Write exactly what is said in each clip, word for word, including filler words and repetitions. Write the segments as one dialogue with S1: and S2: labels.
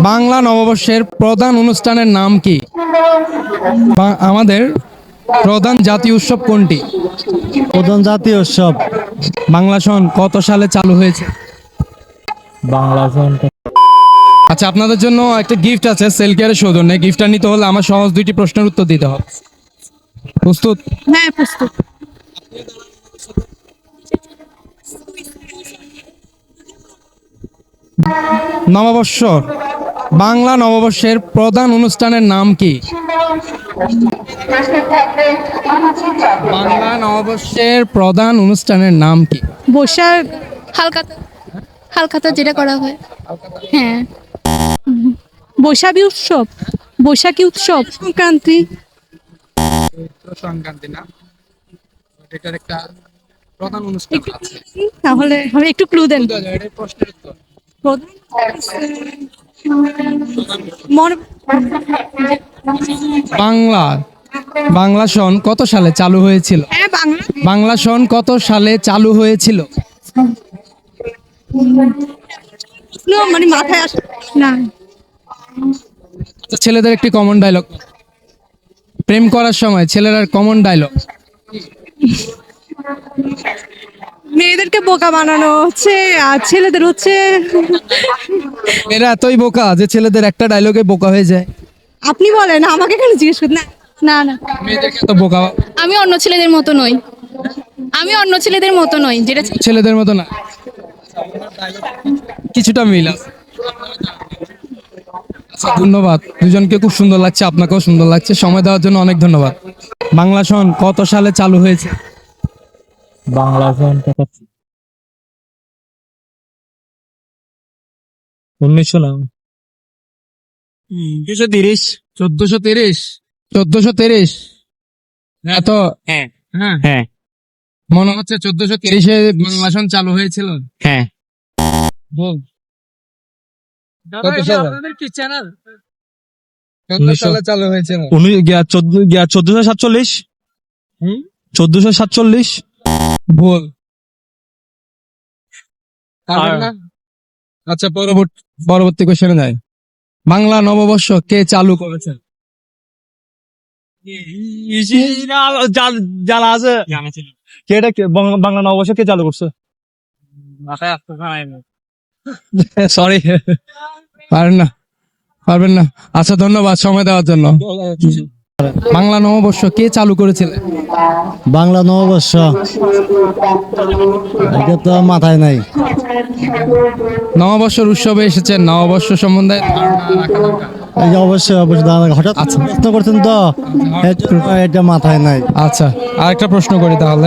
S1: বাংলা নববর্ষের প্রধান অনুষ্ঠানের নাম কি? বা- আমাদের প্রধান জাতীয় উৎসব কোনটি?
S2: প্রধান জাতীয় উৎসব
S1: বাংলা সন কত সালে চালু হয়েছে?
S2: বাংলা সন
S1: আচ্ছা, আপনাদের জন্য একটা গিফট আছে সেল কেয়ারের সৌজন্যে। গিফটটা নিতে হলে আমার সহজ দুইটি প্রশ্নের উত্তর দিতে হবে। প্রস্তুত?
S3: হ্যাঁ, প্রস্তুত।
S1: নববর্ষ, বাংলা নববর্ষের প্রধান অনুষ্ঠানের নাম কি? বাংলা নববর্ষের প্রধান অনুষ্ঠানের নাম কি?
S3: বৈশাখ হালখাতা হালখাতা যেটা করা হয়। হ্যাঁ, বৈশাখী উৎসব, বৈশাখী উৎসব, সংক্রান্তি।
S1: সংক্রান্তি না, এটার একটা প্রধান অনুষ্ঠান
S3: একটু
S1: আছে।
S3: তাহলে আমি একটু ক্লু দেন।
S1: এটাই প্রশ্নের উত্তর।
S3: প্রধান মনে
S1: বাংলা বাংলা সন কত সালে চালু হয়েছিল?
S3: হ্যাঁ, বাংলা
S1: বাংলা সন কত সালে চালু হয়েছিল?
S3: প্রশ্ন মানে মাথায় আসে না।
S1: আচ্ছা, ছেলেদের একটি কমন ডায়লগ, প্রেম করার সময় ছেলেরা কমন ডায়লগ।
S3: মেয়েদেরকে বোকা বানানো হচ্ছে আর ছেলেদের হচ্ছে।
S1: এরা এতই বোকা যে ছেলেদের একটা ডায়লগে বোকা হয়ে যায়।
S3: আপনি বলেন, আমাকে কেন জিজ্ঞেস করেন? না না না,
S1: মেয়েদেরকে এত বোকা,
S4: আমি অন্য ছেলেদের মতো নই আমি অন্য ছেলেদের মতো নই যেটা
S1: ছেলেদের মতো না। কিছুটা মিল আছে। আচ্ছা, ধন্যবাদ দুজনকে, খুব সুন্দর লাগছে, আপনাকেও সুন্দর লাগছে। সময় দেওয়ার জন্য অনেক ধন্যবাদ। বাংলা সন কত সালে চালু হয়েছে?
S2: বাংলা সন উনিশশো না দুশো তিরিশ
S1: চোদ্দশো তিরিশ চোদ্দশো তিরিশ এত
S2: হ্যাঁ
S1: হ্যাঁ
S2: হ্যাঁ
S1: মনে হচ্ছে চোদ্দশো তিরিশে বাংলা সন চালু হয়েছিল।
S2: হ্যাঁ
S1: বল
S2: উনিশশো
S1: সালে চালু হয়েছিল।
S2: উনিশ চোদ্দ চোদ্দশো সাতচল্লিশ
S1: হুম?
S2: চোদ্দশো সাতচল্লিশ
S1: ভুল। পারবেন
S2: আর-
S1: না? আচ্ছা, পরবর্তী পরবর্তী কোশ্চেনে যাই। বাংলা নববর্ষ কে চালু করেছেন?
S2: জানা আছে কে এটা কে- বাংলা বাংলা নববর্ষ কে চালু করছে?
S1: সরি, পারেন না, পারবেন না। আচ্ছা, ধন্যবাদ সময় দেওয়ার জন্য। বাংলা নববর্ষ কে চালু করেছিলেন?
S2: বাংলা নববর্ষ এটা তো মাথায় নাই।
S1: নববর্ষের উৎসবে এসেছেন, নববর্ষ সম্বন্ধে ধারণা রাখা দরকার।
S2: এই যে অবশ্যই অবশ্যই দাঁড়ান, হঠাৎ
S1: আচ্ছা।
S2: প্রশ্ন করছেন তো এর জন্য এটা মাথায় নাই।
S1: আচ্ছা, আরেকটা প্রশ্ন করি তাহলে।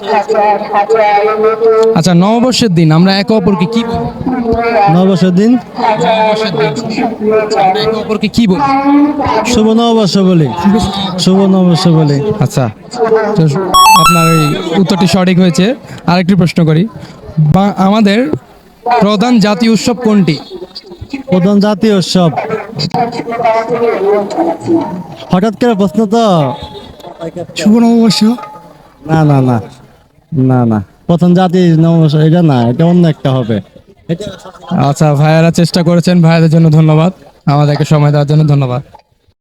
S1: আচ্ছা, নববর্ষের দিন আমরা একে অপরকে কি বলি?
S2: নববর্ষের দিন
S1: নববর্ষের দিন আমরা একে অপরকে কি বলি?
S2: শুভ নববর্ষ বলি, শুভ নববর্ষ বলি।
S1: আচ্ছা, তো আপনার এই উত্তরটি সঠিক হয়েছে। আরেকটি প্রশ্ন করি। বা আমাদের প্রধান জাতীয় উৎসব কোনটি?
S2: প্রধান জাতীয় উৎসব হঠাৎ করে প্রশ্ন তো।
S1: শুভ নববর্ষ।
S2: না না না না না প্রথম জাতীয় নববর্ষ এটা না, এটা অন্য একটা হবে। এটা
S1: আচ্ছা, ভাইয়ারা চেষ্টা করেছেন, ভাইয়াদের জন্য ধন্যবাদ, আমাদেরকে সময় দেওয়ার জন্য ধন্যবাদ।